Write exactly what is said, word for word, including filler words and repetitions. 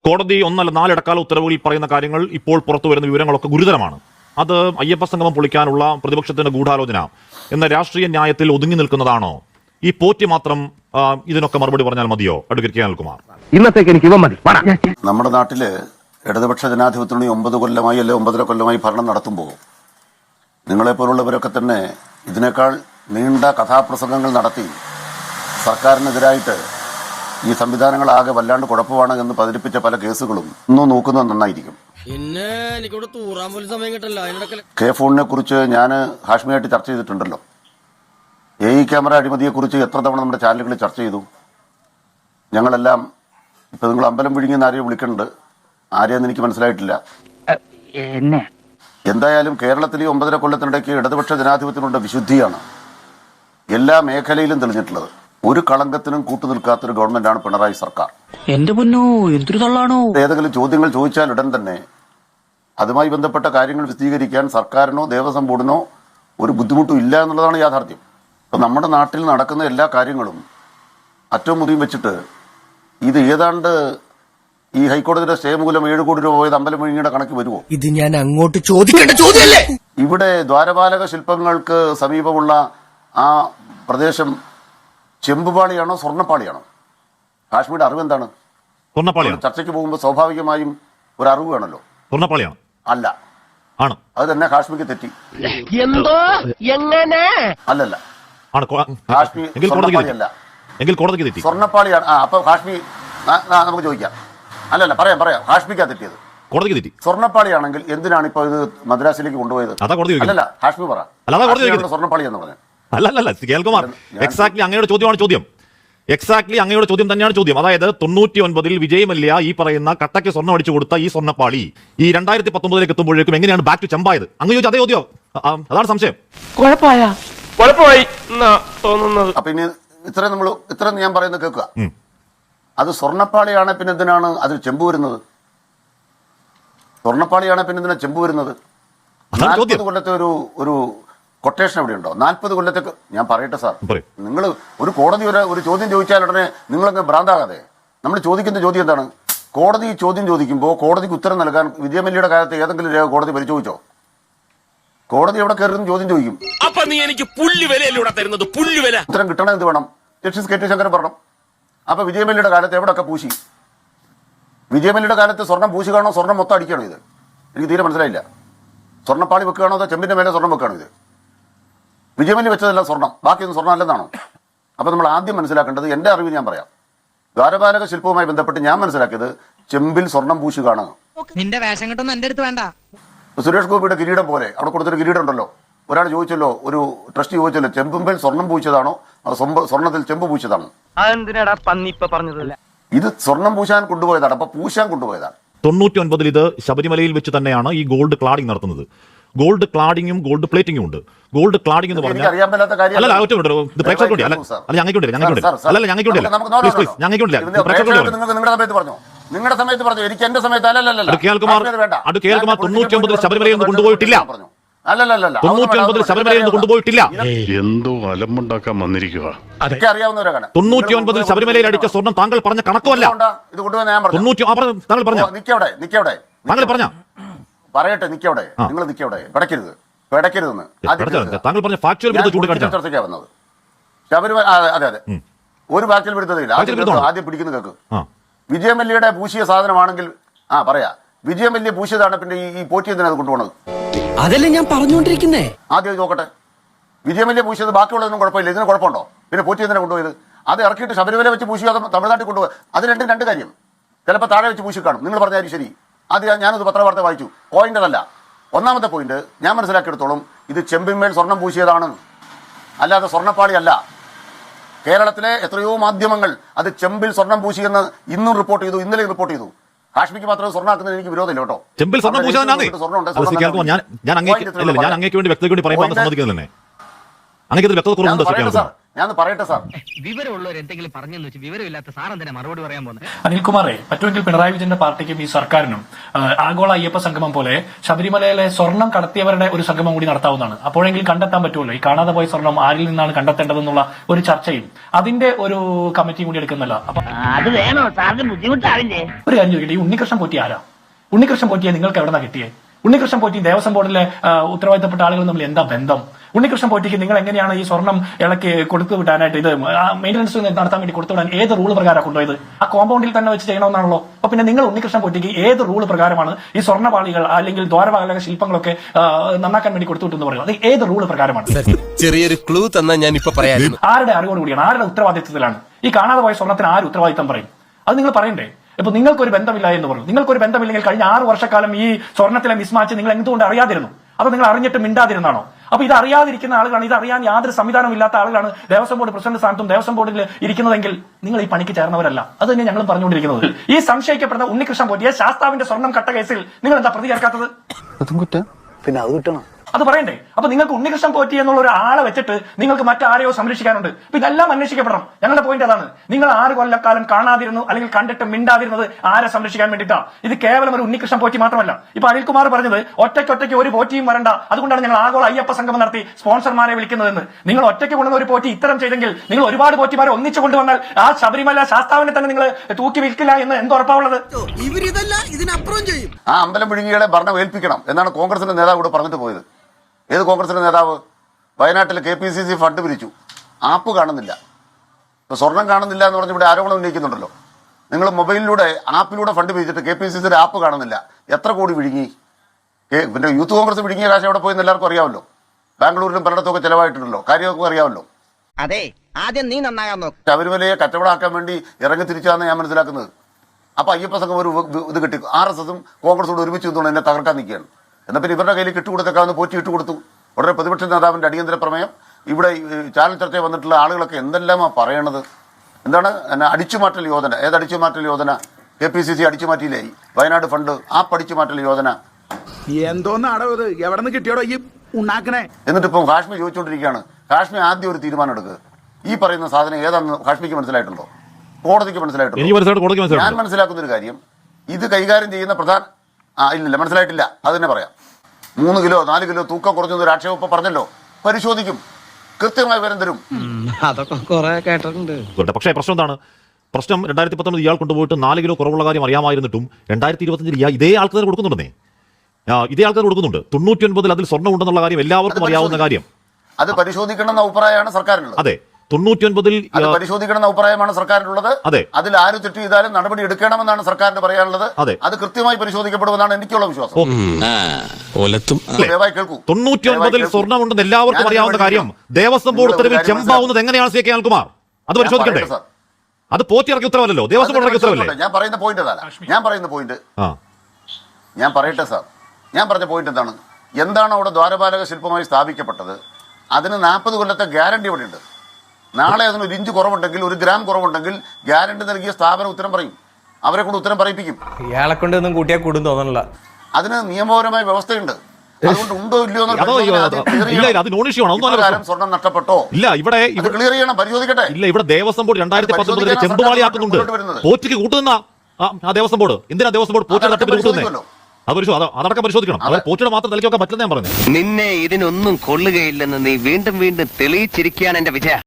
കോടതി ഒന്നല്ല നാലിടക്കാല ഉത്തരവുകളിൽ പറയുന്ന കാര്യങ്ങൾ ഇപ്പോൾ പുറത്തു വരുന്ന വിവരങ്ങളൊക്കെ ഗുരുതരമാണ്. അത് അയ്യപ്പ സംഗമം പൊളിക്കാനുള്ള പ്രതിപക്ഷത്തിന്റെ ഗൂഢാലോചന എന്ന രാഷ്ട്രീയ ന്യായത്തിൽ ഒതുങ്ങി നിൽക്കുന്നതാണോ? ഈ പോറ്റി മാത്രം ഇതിനൊക്കെ മറുപടി പറഞ്ഞാൽ മതിയോ? Advocate K Anilkumar. ഇന്നത്തേക്ക് എനിക്ക് ഇവ മതി. നമ്മുടെ നാട്ടില് ഇടതുപക്ഷ ജനാധിപത്യത്തിന് ഒമ്പത് കൊല്ലമായി അല്ലെ ഒമ്പതര കൊല്ലമായി ഭരണം നടത്തുമ്പോൾ നിങ്ങളെപ്പോലുള്ളവരൊക്കെ തന്നെ ഇതിനേക്കാൾ നീണ്ട കഥാപ്രസംഗങ്ങൾ നടത്തി സർക്കാരിനെതിരായിട്ട് ഈ സംവിധാനങ്ങളാകെ വല്ലാണ്ട് കുഴപ്പമാണ് എന്ന് പതിരിപ്പിച്ച പല കേസുകളും ഇന്നും നോക്കുന്നത് നന്നായിരിക്കും. കെ ഫോണിനെ കുറിച്ച് ഞാൻ ഹാഷ്മിയായിട്ട് ചർച്ച ചെയ്തിട്ടുണ്ടല്ലോ. എ ഇ ക്യാമറ അഴിമതിയെക്കുറിച്ച് എത്ര തവണ നമ്മുടെ ചാനലുകളിൽ ചർച്ച ചെയ്തു. ഞങ്ങളെല്ലാം ഇപ്പൊ നിങ്ങൾ അമ്പലം വിഴുങ്ങിയെന്ന് ആരെയും വിളിക്കുന്നുണ്ട്, ആരെയെന്ന് എനിക്ക് മനസ്സിലായിട്ടില്ല. എന്തായാലും കേരളത്തിൽ ഈ ഒമ്പതര കൊല്ലത്തിനിടയ്ക്ക് ഇടതുപക്ഷ ജനാധിപത്യത്തിനുള്ള വിശുദ്ധിയാണ് എല്ലാ മേഖലയിലും തെളിഞ്ഞിട്ടുള്ളത്. ഒരു കളങ്കത്തിനും കൂട്ടുനിൽക്കാത്തൊരു ഗവൺമെന്റാണ് പിണറായി സർക്കാർ. എന്റെ പൊന്നോ, എന്തൊരു തള്ളാണോ! ഏതെങ്കിലും ചോദ്യങ്ങൾ ചോദിച്ചാൽ ഉടൻ തന്നെ അതുമായി ബന്ധപ്പെട്ട കാര്യങ്ങൾ വിശദീകരിക്കാൻ സർക്കാരിനോ ദേവസ്വം ബോർഡിനോ ഒരു ബുദ്ധിമുട്ടും ഇല്ല എന്നുള്ളതാണ് യാഥാർത്ഥ്യം. അപ്പൊ നമ്മുടെ നാട്ടിൽ നടക്കുന്ന എല്ലാ കാര്യങ്ങളും അറ്റവും മുറിയും വെച്ചിട്ട് ഇത് ഏതാണ്ട് ഈ ഹൈക്കോടതിയുടെ സ്റ്റേ മൂലം ഏഴ് കോടി രൂപ പോയത് അമ്പലം വിഴുങ്ങിയുടെ കണക്ക് വരുമോ? ഇത് ഞാൻ അങ്ങോട്ട് ചോദിക്കേണ്ട ചോദ്യമല്ലേ? ഇവിടെ ദ്വാരപാലക ശില്പങ്ങൾക്ക് സമീപമുള്ള ആ പ്രദേശം ചെമ്പുപാളിയാണോ സ്വർണ്ണപ്പാളിയാണോ? കാശ്മീരുടെ അറിവ് എന്താണ്? സ്വർണ്ണപ്പാളിയാണ്. ചർച്ചയ്ക്ക് പോകുമ്പോൾ സ്വാഭാവികമായും ഒരു അറിവ് വേണമല്ലോ. സ്വർണ്ണപ്പാളിയാണ്. അല്ല ആണ്. അത് തന്നെ കാശ്മീർക്ക് തെറ്റി. എന്തോ എങ്ങനെ? അല്ലല്ല, കാശ്മീർ കോടതിക്ക് തെറ്റി. സ്വർണ്ണപ്പാളിയാണ്. ആ അപ്പൊ കാശ്മീർ നമുക്ക് ചോദിക്കാം. അല്ലല്ല, പറയാം പറയാം ഹാഷ്മിക്കാ തെറ്റിയത്. കോടതിക്ക് തെറ്റി. സ്വർണ്ണപ്പാളിയാണെങ്കിൽ എന്തിനാണ് ഇപ്പൊ ഇത് മദ്രാസിലേക്ക് കൊണ്ടുപോയത്? അല്ലല്ല, ഹാഷ്മി പറ. സ്വർണ്ണപ്പാളി എന്ന് പറഞ്ഞു. അല്ലല്ല കേൾക്കുമാർ, എക്സാക്ട്ലി അങ്ങയുടെ ചോദ്യമാണ് ചോദ്യം. എക്സാക്ട്ലി അങ്ങയുടെ ചോദ്യം തന്നെയാണ് ചോദ്യം. അതായത് തൊണ്ണൂറ്റി ഒൻപതിൽ വിജയ് മല്യ ഈ പറയുന്ന കട്ടയ്ക്ക് സ്വർണ്ണം അടിച്ചു കൊടുത്ത ഈ സ്വർണ്ണപ്പാളി ഈ രണ്ടായിരത്തി പത്തൊമ്പതിലേക്ക് എത്തുമ്പോഴേക്കും എങ്ങനെയാണ് ബാക്ക് ടു ചെമ്പായത്? അങ്ങ് ചോദിച്ചു അതേ ചോദ്യം. അതാണ് സംശയം. കുഴപ്പമായി തോന്നുന്നത്. അപ്പൊ ഇനി ഇത്ര നമ്മൾ ഇത്ര ഞാൻ പറയുന്നത് കേൾക്കുക. അത് സ്വർണ്ണപ്പാളിയാണ്, പിന്നെ എന്തിനാണ് അതിൽ ചെമ്പ് വരുന്നത്? സ്വർണ്ണപ്പാളിയാണ്, പിന്നെ എന്തിനാ ചെമ്പ് വരുന്നത്? നാൽപ്പത് കൊല്ലത്തെ ഒരു ഒരു കൊട്ടേഷൻ എവിടെ ഉണ്ടോ? നാൽപ്പത് കൊല്ലത്തേക്ക് ഞാൻ പറയട്ടെ സാർ, നിങ്ങൾ ഒരു കോടതി ഒരു ഒരു ചോദ്യം ചോദിച്ചാൽ ഉടനെ നിങ്ങളങ്ങ് ഭ്രാന്താകാതെ. നമ്മൾ ചോദിക്കുന്ന ചോദ്യം എന്താണ്? കോടതി ചോദ്യം ചോദിക്കുമ്പോൾ കോടതിക്ക് ഉത്തരം നൽകാൻ വിജയമല്യയുടെ കാലത്ത് ഏതെങ്കിലും രേഖ കോടതി പരിശോധിച്ചോ? കോടതി എവിടെ കയറുന്ന ചോദ്യം ചോദിക്കും. ഉത്തരം കിട്ടണം. എന്ത് വേണം? ജസ്റ്റിസ് കെ ടി ശങ്കരൻ പറഞ്ഞു. അപ്പൊ വിജയമല്യയുടെ കാലത്ത് എവിടെയൊക്കെ പൂശി? വിജയമല്യയുടെ കാലത്ത് സ്വർണം പൂശി കാണോ സ്വർണം മൊത്തം അടിക്കണോ? ഇത് എനിക്ക് തീരെ മനസ്സിലായില്ല. സ്വർണ്ണപ്പാളി വെക്കുകയാണോ അതോ ചെമ്പിന്റെ മേലെ സ്വർണം വെക്കുകയാണോ? ഇത് വിജയമല്യ വെച്ചതല്ല സ്വർണം, ബാക്കിയൊന്നും സ്വർണ്ണം അല്ലെന്നാണോ? അപ്പൊ നമ്മൾ ആദ്യം മനസ്സിലാക്കേണ്ടത്, എന്റെ അറിവ് ഞാൻ പറയാം, ദ്വാരപാലക ശില്പവുമായി ബന്ധപ്പെട്ട് ഞാൻ മനസ്സിലാക്കിയത് ചെമ്പിൽ സ്വർണം പൂശി കാണുക. നിന്റെ വേഷം കിട്ടുന്ന എന്റെ അടുത്ത് വേണ്ട. സുരേഷ് ഗോപിയുടെ കിരീടം പോലെ അവിടെ കൊടുത്തൊരു കിരീടം ഉണ്ടല്ലോ. ഒരാൾ ചോദിച്ചല്ലോ, ഒരു ട്രസ്റ്റ് ചോദിച്ചല്ലോ, ചെമ്പുമ്പേൽ സ്വർണം പൂച്ചതാണോ സ്വർണ്ണത്തിൽ ചെമ്പ് പൂച്ചതാണോ? ഇത് സ്വർണം പൂശാൻ കൊണ്ടുപോയതാണ്. അപ്പൊ പൂശാൻ കൊണ്ടുപോയതാണ്. തൊണ്ണൂറ്റി ഒൻപതിൽ ഇത് ശബരിമലയിൽ വെച്ച് തന്നെയാണ് ഈ ഗോൾഡ് ക്ലാഡിംഗ് നടത്തുന്നത്. ഗോൾഡ് ക്ലാഡിങ്ങും ഗോൾഡ് പ്ലേറ്റിംഗും ഉണ്ട്. ഗോൾഡ് ക്ലാഡിംഗ് എന്ന് പറഞ്ഞാൽ നിങ്ങളുടെ സമയത്ത് പറഞ്ഞു, എനിക്ക് എന്റെ സമയത്ത് അല്ലല്ല. തൊണ്ണൂറ്റി ഒമ്പതിൽ ശബരിമലയിൽ നിന്ന് കൊണ്ടുപോയിട്ടില്ല. തൊണ്ണൂറ്റി ഒൻപതിൽ ശബരിമലയിൽ നിന്ന് കൊണ്ടുപോയിട്ടില്ല. എന്തോ അലമ്പുണ്ടാക്കാൻ വന്നിരിക്കുക. അറിയാവുന്നവരാണ്. തൊണ്ണൂറ്റി ഒൻപതിൽ ശബരിമലയിൽ അടിച്ച സ്വർണം താങ്കൾ പറഞ്ഞ കണക്കുമല്ല. ഇത് കൊണ്ടുപോയി ഞാൻ പറഞ്ഞു. താങ്കൾ പറഞ്ഞ നിക്കവിടെ നിക്കവിടെ താങ്കൾ പറഞ്ഞ പറയട്ടെ, നിക്കവിടെ. നിങ്ങൾ നിക്കവിടെ, പിടക്കരുത് പിടക്കരുതെന്ന് താങ്കൾ പറഞ്ഞ ഫാക്ച്വൽ ചർച്ചയ്ക്കാ വന്നത്. ശബരിമല അതെ അതെ ഒരു ഫാക്ച്വൽ വിരുദ്ധതയില്ല. ആദ്യം പിടിക്കുന്ന കേക്ക്. വിജയമല്യയുടെ പൂശിയ സാധനമാണെങ്കിൽ ആ പറയാ, വിജയമല്യ പൂശിയതാണ്, പിന്നെ ഈ പോറ്റി എന്തിനാ അത് കൊണ്ടുപോകണത്? അതല്ലേ ഞാൻ പറഞ്ഞുകൊണ്ടിരിക്കുന്നേ. ആദ്യം നോക്കട്ടെ, വിജയമല്യ പൂശിയത് ബാക്കിയുള്ളതൊന്നും കുഴപ്പമില്ല, ഇതിന് കുഴപ്പമുണ്ടോ? പിന്നെ പോറ്റി എന്തിനാ കൊണ്ടുപോയത്? അത് ഇറക്കിയിട്ട് ശബരിമല വെച്ച് പൂശിയോ അതോ തമിഴ്നാട്ടിൽ കൊണ്ടുപോയി? അത് രണ്ടും രണ്ട് കാര്യം. ചിലപ്പോൾ താഴെ വെച്ച് പൂശി കാണും. നിങ്ങൾ പറഞ്ഞാലും ശരി. ആദ്യം ഞാനത് പത്രവാർത്ത വായിച്ചു. പോയിന്റ് അതല്ല. ഒന്നാമത്തെ പോയിന്റ് ഞാൻ മനസ്സിലാക്കിയെടുത്തോളം ഇത് ചെമ്പിന്മേൽ സ്വർണം പൂശിയതാണ്, അല്ലാതെ സ്വർണ്ണപ്പാളി അല്ല. കേരളത്തിലെ എത്രയോ മാധ്യമങ്ങൾ അത് ചെമ്പിൽ സ്വർണം പൂശിയെന്ന് ഇന്നും റിപ്പോർട്ട് ചെയ്തു, ഇന്നലെ റിപ്പോർട്ട് ചെയ്തു. കാശ്മീർക്ക് മാത്രം സ്വർണ്ണാക്കുന്നതിന് എനിക്ക് വിരോധമില്ല കേട്ടോ. ചെമ്പിൽ സ്വർണം പൂശാൻ ഞാൻ അങ്ങേക്ക് വേണ്ടി വ്യക്തതയ്ക്ക് വേണ്ടി പറയുമ്പോൾ സമ്മതിക്കുന്നില്ല. അങ്ങേക്ക് വ്യക്തത കുറവുണ്ട്. ഞാൻ പറയട്ടെ സാർ. വിവരമുള്ളവർ എന്തെങ്കിലും പറഞ്ഞെന്ന് വെച്ച് വിവരമില്ലാത്ത സാറൻ തന്നെ മറുപടി പറയാൻ പോകുന്നത്. അനിൽകുമാറെ, പറ്റുമെങ്കിൽ പിണറായി വിജയന്റെ പാർട്ടിക്കും ഈ സർക്കാരിനും ആ, ആഗോള അയ്യപ്പ സംഗമം പോലെ ശബരിമലയിലെ സ്വർണം കടത്തിയവരുടെ ഒരു സംഗമം കൂടി നടത്താവുന്നതാണ്. അപ്പോഴെങ്കിലും കണ്ടെത്താൻ പറ്റുമല്ലോ ഈ കാണാതെ പോയ സ്വർണം ആരിൽ നിന്നാണ് കണ്ടെത്തേണ്ടതെന്നുള്ള ഒരു ചർച്ചയും അതിന്റെ ഒരു കമ്മിറ്റിയും കൂടി എടുക്കുന്നല്ല. അപ്പൊ അത് വേണോ സാറിന് ബുദ്ധിമുട്ടാവില്ലേ? ഒരു കാര്യം ചോദിക്കട്ടെ, ഈ ഉണ്ണികൃഷ്ണൻ പോറ്റി ആരാ? ഉണ്ണികൃഷ്ണൻ പോറ്റിയെ നിങ്ങൾക്ക് എവിടെ നിന്നാണ് കിട്ടിയേ? ഉണ്ണികൃഷ്ണൻ പോറ്റി ദേവസ്വം ബോർഡിലെ ആ, ഉത്തരവാദിത്തപ്പെട്ട ആളുകൾ തമ്മിൽ എന്താ ബന്ധം? ഉണ്ണികൃഷ്ണൻ പോറ്റിക്ക് നിങ്ങൾ എങ്ങനെയാണ് ഈ സ്വർണം ഇളക്കി കൊടുത്തു വിടാനായിട്ട് ഇത് മെയിൻ്റനൻസ് നടത്താൻ വേണ്ടി കൊടുത്തു വിടാൻ ഏത് റൂൾ പ്രകാരം കൊണ്ടുപോയത്? ആ കോമ്പൗണ്ടിൽ തന്നെ വെച്ച് ചെയ്യണമെന്നാണല്ലോ. അപ്പൊ പിന്നെ നിങ്ങൾ ഉണ്ണികൃഷ്ണൻ പോറ്റിക്ക് ഏത് റൂൾ പ്രകാരമാണ് ഈ സ്വർണ്ണപാളികൾ അല്ലെങ്കിൽ ദ്വാരപാലക ശില്പങ്ങളൊക്കെ ആ, നന്നാക്കാൻ വേണ്ടി കൊടുത്തു വിട്ടെന്ന് പറയുന്നത്? അത് ഏത് റൂൾ പ്രകാരമാണ്? ചെറിയൊരു ക്ലൂ തന്നാ ഞാൻ ഇപ്പൊ പറയാം. ആരുടെ അറിവോട് കൂടിയാണ്, ആരുടെ ഉത്തരവാദിത്തത്തിലാണ് ഈ കാണാതെ പോയ സ്വർണ്ണത്തിന് ആര് ഉത്തരവാദിത്തം പറയും? അത് നിങ്ങൾ പറയണ്ടേ? ഇപ്പൊ നിങ്ങൾക്കൊരു ബന്ധമില്ല എന്ന് പറഞ്ഞു. നിങ്ങൾക്കൊരു ബന്ധമില്ലെങ്കിൽ കഴിഞ്ഞ ആറ് വർഷക്കാലം ഈ സ്വർണ്ണത്തിലെ മിസ്മാച്ച് നിങ്ങൾ എന്തുകൊണ്ട് അറിയാതിരുന്നു? അത് നിങ്ങൾ അറിഞ്ഞിട്ട് മിണ്ടാതിരുന്നാണോ? അപ്പൊ ഇത് അറിയാതിരിക്കുന്ന ആളുകളാണ്, ഇത് അറിയാൻ യാതൊരു സംവിധാനവും ഇല്ലാത്ത ആളുകളാണ് ദേവസ്വം ബോർഡ് പ്രസിഡന്റ് സ്ഥാനത്തും ദേവസ്വം ബോർഡിൽ ഇരിക്കുന്നതെങ്കിൽ നിങ്ങൾ ഈ പണിക്ക് ചേർന്നവരല്ല. അത് തന്നെ ഞങ്ങളും പറഞ്ഞുകൊണ്ടിരിക്കുന്നത്. ഈ സംശയിക്കപ്പെടുന്ന ഉണ്ണികൃഷ്ണൻ പോറ്റിയെ ശാസ്താവിന്റെ സ്വർണം കട്ട കേസിൽ നിങ്ങൾ എന്താ പ്രതി ചേർക്കാത്തത്? പിന്നെ അത് കിട്ടണം. അത് പറയണ്ടേ? അപ്പൊ നിങ്ങൾക്ക് ഉണ്ണികൃഷ്ണൻ പോറ്റി എന്നുള്ള ഒരു ആളെ വെച്ചിട്ട് നിങ്ങൾക്ക് മറ്റാരെയോ സംരക്ഷിക്കാനുണ്ട്. അപ്പൊ ഇതെല്ലാം അന്വേഷിക്കപ്പെടണം. ഞങ്ങളുടെ പോയിന്റ് അതാണ്. നിങ്ങൾ ആറ് കൊല്ലക്കാലം കാണാതിരുന്നു അല്ലെങ്കിൽ കണ്ടിട്ട് മിണ്ടാതിരുന്നത് ആരെ സംരക്ഷിക്കാൻ വേണ്ടിയിട്ടാ? ഇത് കേവലം ഒരു ഉണ്ണികൃഷ്ണൻ പോറ്റി മാത്രമല്ല. ഇപ്പൊ അനിൽകുമാർ പറഞ്ഞത് ഒറ്റയ്ക്കൊറ്റയ്ക്ക് ഒരു പോറ്റിയും വരണ്ട, അതുകൊണ്ടാണ് ഞങ്ങൾ ആഗോള അയ്യപ്പ സംഗമം നടത്തി സ്പോൺസർമാരെ വിളിക്കുന്നതെന്ന്. നിങ്ങൾ ഒറ്റയ്ക്ക് കൊണ്ടുവന്ന ഒരു പോറ്റി ഇത്തരം ചെയ്തെങ്കിൽ നിങ്ങൾ ഒരുപാട് പോറ്റിമാരെ ഒന്നിച്ചു കൊണ്ടുവന്നാൽ ആ ശബരിമല ശാസ്താവിനെ തന്നെ നിങ്ങൾ തൂക്കി വിൽക്കില്ല എന്ന് എന്ത് ഉറപ്പാവുള്ളത്? ഇവരിതല്ല ഇതിനപ്പുറം ചെയ്യും. ആ അമ്പലം വിഴുങ്ങികളെ ഭരണം ഏൽപ്പിക്കണം എന്നാണ് കോൺഗ്രസിന്റെ നേതാവ് ഇവിടെ പറഞ്ഞിട്ട് പോയത്. ഏത് കോൺഗ്രസിന്റെ നേതാവ്? വയനാട്ടിൽ K P C C fund പിരിച്ചു, ആപ്പ് കാണുന്നില്ല. ഇപ്പൊ സ്വർണം കാണുന്നില്ല എന്ന് പറഞ്ഞ് ഇവിടെ ആരോപണം ഉന്നയിക്കുന്നുണ്ടല്ലോ. നിങ്ങൾ മൊബൈലിലൂടെ ആപ്പിലൂടെ ഫണ്ട് പിരിച്ചിട്ട് കെ പി സി സിയുടെ ആപ്പ് കാണുന്നില്ല. എത്ര കോടി വിഴുങ്ങി? പിന്നെ യൂത്ത് കോൺഗ്രസ് വിഴുങ്ങിയ കാശ് എവിടെ പോയെന്ന് എല്ലാവർക്കും അറിയാമല്ലോ. ബാംഗ്ലൂരിലും പലയിടത്തൊക്കെ ചെലവായിട്ടുണ്ടല്ലോ, കാര്യമൊക്കെ അറിയാമല്ലോ. അതെ, ആദ്യം നീ നന്നാകാൻ നോക്ക്. ശബരിമലയെ കച്ചവടമാക്കാൻ വേണ്ടി ഇറങ്ങി തിരിച്ചാന്ന് ഞാൻ മനസ്സിലാക്കുന്നത്. അപ്പൊ അയ്യപ്പ സംഘം ഒരു ഇത് കിട്ടി, ആർ എസ് എസും കോൺഗ്രസോട് ഒരുമിച്ച് നിന്നുകൊണ്ട് എന്നെ തകർക്കാൻ നിൽക്കുകയാണ്. എന്നാൽ പിന്നെ ഇവരുടെ കയ്യിൽ കിട്ടുകൊടുത്തേക്കാവുന്ന പോറ്റി ഇട്ടുകൊടുത്തു. ഉടനെ പ്രതിപക്ഷ നേതാവിന്റെ അടിയന്തര പ്രമേയം. ഇവിടെ ചാനൽ ചർച്ചയിൽ വന്നിട്ടുള്ള ആളുകളൊക്കെ എന്തെല്ലാമാ പറയണത്? എന്താണ് അടിച്ചുമാറ്റൽ യോജന? ഏത് അടിച്ചുമാറ്റൽ യോജന? കെ പി സി സി അടിച്ചുമാറ്റിയില്ലേ വയനാട് ഫണ്ട്? ആ അടിച്ചുമാറ്റൽ യോജന എന്തോന്നാടോ ഇത്? എവിടെ നിന്ന് കിട്ടിയോടോ ഈ ഉണ്ടാക്കണേ? എന്നിട്ട് ഇപ്പം കാശ്മീർ ചോദിച്ചുകൊണ്ടിരിക്കുകയാണ്. കാശ്മീർ ആദ്യം ഒരു തീരുമാനം എടുക്കുക. ഈ പറയുന്ന സാധനം ഏതാണെന്ന് കാശ്മീർക്ക് മനസ്സിലായിട്ടുണ്ടോ? കോടതിക്ക് മനസ്സിലായിട്ടുണ്ടോ? ഞാൻ മനസ്സിലാക്കുന്ന ഒരു കാര്യം, ഇത് കൈകാര്യം ചെയ്യുന്ന പ്രധാന ആ ഇല്ലില്ല മനസ്സിലായിട്ടില്ല. അത് തന്നെ പറയാം. മൂന്ന് കിലോ നാല് കിലോ തൂക്കം കുറഞ്ഞൊരു ആക്ഷേപം ഇപ്പൊ പറഞ്ഞല്ലോ. പരിശോധിക്കും, കൃത്യമായി വിവരം തരും. അതൊക്കെ കുറെ കേട്ടിട്ടുണ്ട്. പക്ഷേ പ്രശ്നം എന്താണ്? പ്രശ്നം രണ്ടായിരത്തി പത്തൊമ്പത് ഇയാൾ കൊണ്ടുപോയിട്ട് നാല് കിലോ കുറവുള്ള കാര്യം അറിയാമായിരുന്നിട്ടും രണ്ടായിരത്തി ഇരുപത്തഞ്ചിൽ ഇതേ ആൾക്കാർ കൊടുക്കുന്നുണ്ടെന്നേ. ഇതേ ആൾക്കാർ കൊടുക്കുന്നുണ്ട്. തൊണ്ണൂറ്റി ഒൻപതിൽ അതിൽ സ്വർണ്ണം ഉണ്ടെന്നുള്ള കാര്യം എല്ലാവർക്കും അറിയാവുന്ന കാര്യം. അത് പരിശോധിക്കണം എന്ന അഭിപ്രായമാണ് സർക്കാരിനുള്ളത്. അതെ, തൊണ്ണൂറ്റി ഒൻപതിൽ പരിശോധിക്കണം എന്ന അഭിപ്രായമാണ് സർക്കാരിനുള്ളത്. അതെ, അതിൽ ആര് തെറ്റ് ചെയ്താലും നടപടി എടുക്കണമെന്നാണ് സർക്കാരിന് പറയാനുള്ളത്. അതെ, അത് കൃത്യമായി പരിശോധിക്കപ്പെടുമെന്നാണ് എനിക്കുള്ള വിശ്വാസം. തൊണ്ണൂറ്റി ഒൻപതിൽ സ്വർണ്ണം ഉണ്ടെന്ന് എല്ലാവർക്കും അറിയാവുന്ന കാര്യം ദേവസ്വം ബോർഡ് ഉത്തരവിൽ ചെമ്പാവുന്നത് എങ്ങനെയാണ് സി കെ അനിൽകുമാർ? അത് പരിശോധിക്കണ്ടേ? അത് പോറ്റി ഇറക്കിയ ഉത്തരവല്ലോ, ദേവസ്വം ബോർഡ് ഇറക്കിയ ഉത്തരവല്ലേ? ഞാൻ പറയുന്ന പോയിന്റ് അതാണ്. ഞാൻ പറയുന്ന പോയിന്റ് ഞാൻ പറയട്ടെ സാർ. ഞാൻ പറഞ്ഞ പോയിന്റ് എന്താണ്? എന്താണ് അവിടെ ദ്വാരപാലക ശില്പമായി സ്ഥാപിക്കപ്പെട്ടത്? അതിന് നാൽപ്പത് കൊല്ലത്തെ ഗ്യാരണ്ടി അവിടെ ഉണ്ട്. നാളെ അതിന് ഒരു ഇഞ്ച് കുറവുണ്ടെങ്കിൽ, ഒരു ഗ്രാം കുറവുണ്ടെങ്കിൽ ഗ്യാരണ്ടി നൽകിയ സ്ഥാപനം ഉത്തരം പറയും. അവരെ കൊണ്ട് ഉത്തരം പറയിപ്പിക്കും. ഇയാളെ കൊണ്ട് ഒന്നും കൂട്ടിയാൽ കൂടും തോന്നണില്ല. അതിന് നിയമപരമായ വ്യവസ്ഥയുണ്ട്. അതുകൊണ്ട് ഉണ്ടോ ഇല്ലയോ സ്വർണം നഷ്ടപ്പെട്ടോ ഇല്ല, ഇവിടെ ക്ലിയർ ചെയ്യണം, പരിശോധിക്കട്ടെ. ഇല്ല, ഇവിടെ ദേവസ്വം ബോർഡ് രണ്ടായിരത്തി പത്തൊമ്പതിലെ ചെമ്പുവാളിയാക്കുന്നുണ്ട്. പോറ്റിക്ക് കൂട്ടുന്ന ആ ദേവസ്വം ബോർഡ് എന്തിനാ ദേവസ്വം ബോർഡ് പോറ്റി തട്ടിപ്പിന് കൂട്ടുന്നത്? അത് അതടക്കം പരിശോധിക്കണം. അവർ പോറ്റിയുടെ മാത്രം തലയ്ക്കൊക്കെ പറ്റില്ലെന്ന് ഞാൻ പറഞ്ഞു. നിന്നെ ഇതിനൊന്നും കൊള്ളുകയില്ലെന്ന് നീ വീണ്ടും വീണ്ടും തെളിയിച്ചിരിക്കുകയാണ് എന്റെ വിജയ.